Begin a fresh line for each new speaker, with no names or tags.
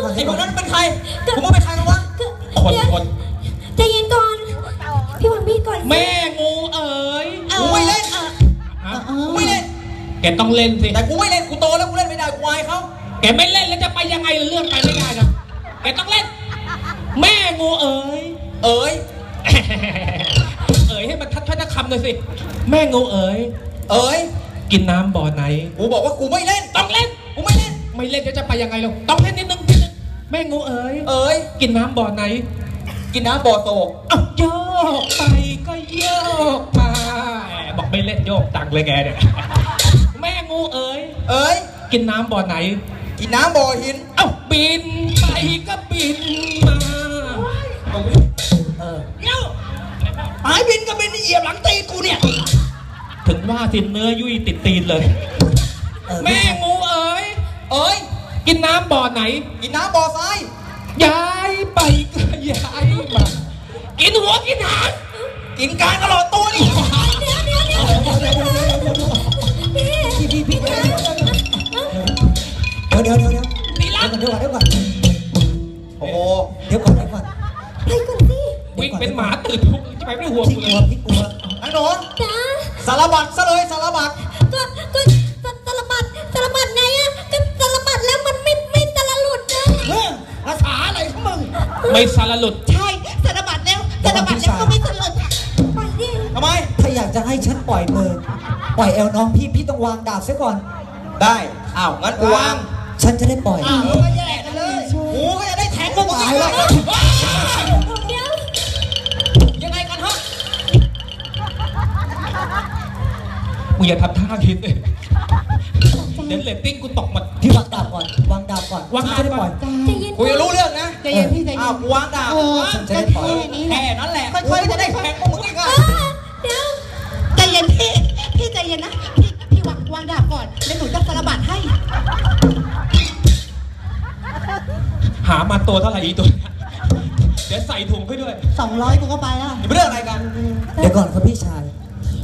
ไอ้คนนั้นเป็นใครผมว่าเป็นใครกันวะคน
ใจเย็นก่อนพี่วางมีดก่อน
แม่งูเอ๋ย
กูไม่เล่นกูไม่เล่น
แกต้องเล่นสิ
แต่กูไม่เล่นกูโตแล้วกูเล่นไม่ได้กูอายเขา
แกไม่เล่นแล้วจะไปยังไงเรื่องไปไม่ได้นะแกต้องเล่นแม่งูเอ๋ย
เอ๋ย
ให้มันทัดคำหน่อยสิแม่งูเอ๋ยกินน้ำบ่อไหน
กูบอกว่ากูไม่เล่น
ต้องเล่น
กูไม่เล่น
จะไปยังไงเราต้องเล่นนิดนึงแม่งูเอ๋ยกินน้ำบ่อไหน
กินน้ำบ่อโศก
โยกไปก็โยกมาบอกไม่เล่นโยกตังเลยแกเนี่ยแม่งูเอ๋ยกินน้ำบ่อไหน
กินน้ำบ่อหิน
บินไปก็บินมา
หายบินก็บินเหยียบหลังตีกูเนี่ย
ถึงว่าสิเนื้อยุ่ยติดตีนเลยแม่งูเอ๋ยกินน้ำบ่อไหน
กินน้ำบ่อทราย
ย้ายไปก็ย้ายมากินหัวกินหาง
กินการตลอดตัวนี่เดี๋ยว
นี่ละ
เดี๋ยวก่อนโอ้โหเดี๋ยวก่อน
ไปก่อนสิ
วิ่งเป็นหมาตื่นทุกจะไปไม่ห่วง
พี่กลัวไอ้หนู
จ้า
สารบัดซะเลยสารบัด
ก็สารบัดไงอะก็สารบัดแล้วมันไม่สารหลุดนะ
ภาษาอะไรของมึง
ไม่สารหลุด
ใช่สารบัดแล้วก็ไม่สารหลุดไปดิ
ทำไม
ถ้าอยากจะให้ฉันปล่อยมือปล่อยแอลน้องพี่ต้องวางดาบเสียก่อน
ได้งั้นกูวาง
ฉันจะได้ปล่อย
ก็แย่กันเลยกูก็จะได้แทงพวกมึงอีกแล้วยังไงกันฮะ
มึงอย่าทำท่าคิดเลยเดี๋ยวเลตติ้งกูตกหมด
พี่วางดาบก่อนวางดาบก่อนจะได้ปล่อย
กูจะรู้เรื่องนะ
ใจเย็นพี่ใจเย็น
กูวางดาบ
ฉันจะได้ปล่อย
แค่นั้นแหละค่อยๆจะได้แทงพวกมึงอีกอ่ะ
เดี๋ยวใจเย็นพี่ใจเย็นนะพี่วางดาบก่อนแล้วหนูจะสารบัดให้
หามาตัวเท่าไหร่อีตัวเดี๋ยวใส่ถุงให้ด้วย
200กูก็ไปแล้ว
เรื่องอะไรกัน
เดี๋ยวก่อนครับพี่ชาย